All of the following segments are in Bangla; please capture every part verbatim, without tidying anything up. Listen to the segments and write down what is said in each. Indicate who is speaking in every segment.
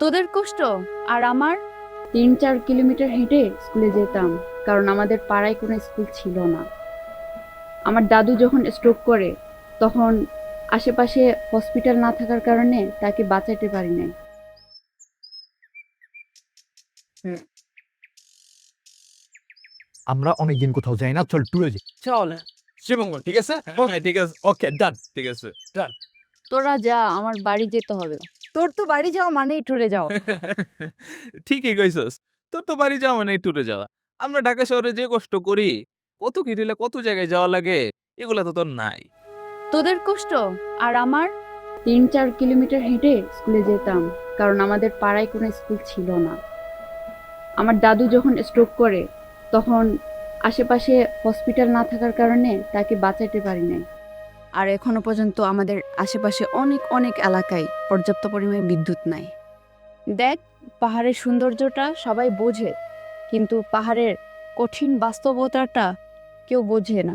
Speaker 1: তোদের কষ্ট আর আমার
Speaker 2: তিন চার কিলোমিটার হেঁটে স্কুলে যেতাম, কারণ আমাদের পাড়ায় কোনো স্কুল ছিল না। আমার দাদু যখন স্ট্রোক করে, তখন আশেপাশে হসপিটাল না থাকার কারণে তাকে বাঁচাতে পারি নাই।
Speaker 3: আমরা অনেকদিন কোথাও যাই না, চল ট্যুরে যাই।
Speaker 4: চল শিবঙ্গ, ঠিক আছে? ওকে ঠিক আছে, ওকে ডান, ঠিক আছে ডান।
Speaker 1: তোরা যা, আমার বাড়ি যেতে হবে। তোর তো বাড়ি যাওয়া মানেই ট্যুরে যাও।
Speaker 4: ঠিকই কইছস, তোর তো বাড়ি যাওয়া মানে ট্যুরে যাওয়া। আমরা ঢাকা শহরে যে কষ্ট করি, কত কি দিলে কত জায়গায় যাওয়া লাগে, এগুলা তো তোর নাই।
Speaker 1: তোদের কষ্ট আর আমার
Speaker 2: তিন চার কিলোমিটার হেঁটে স্কুলে যেতাম, কারণ আমাদের পাড়ায় কোনো স্কুল ছিল না। আমার দাদু যখন স্ট্রোক করে, তখন আশেপাশে হসপিটাল না থাকার কারণে তাকে বাঁচাতে পারি নাই।
Speaker 1: আর এখনো পর্যন্ত আমাদের আশেপাশে অনেক অনেক এলাকায় পর্যাপ্ত পরিমাণে বিদ্যুৎ নাই। দেখ, পাহাড়ের সৌন্দর্যটা সবাই বোঝে, কিন্তু পাহাড়ের কঠিন বাস্তবতাটা কেউ বোঝে না।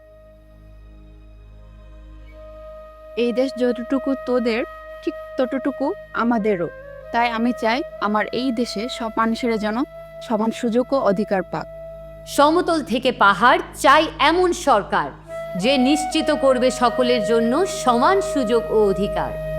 Speaker 1: এই দেশ যতটুকু তোদের, ঠিক ততটুকু আমাদেরও। তাই আমি চাই আমার এই দেশে সব মানুষেরা যেন সমান সুযোগ ও অধিকার পাক।
Speaker 5: সমতল থেকে পাহাড় চাই এমন সরকার যে নিশ্চিত করবে সকলের জন্য সমান সুযোগ ও অধিকার।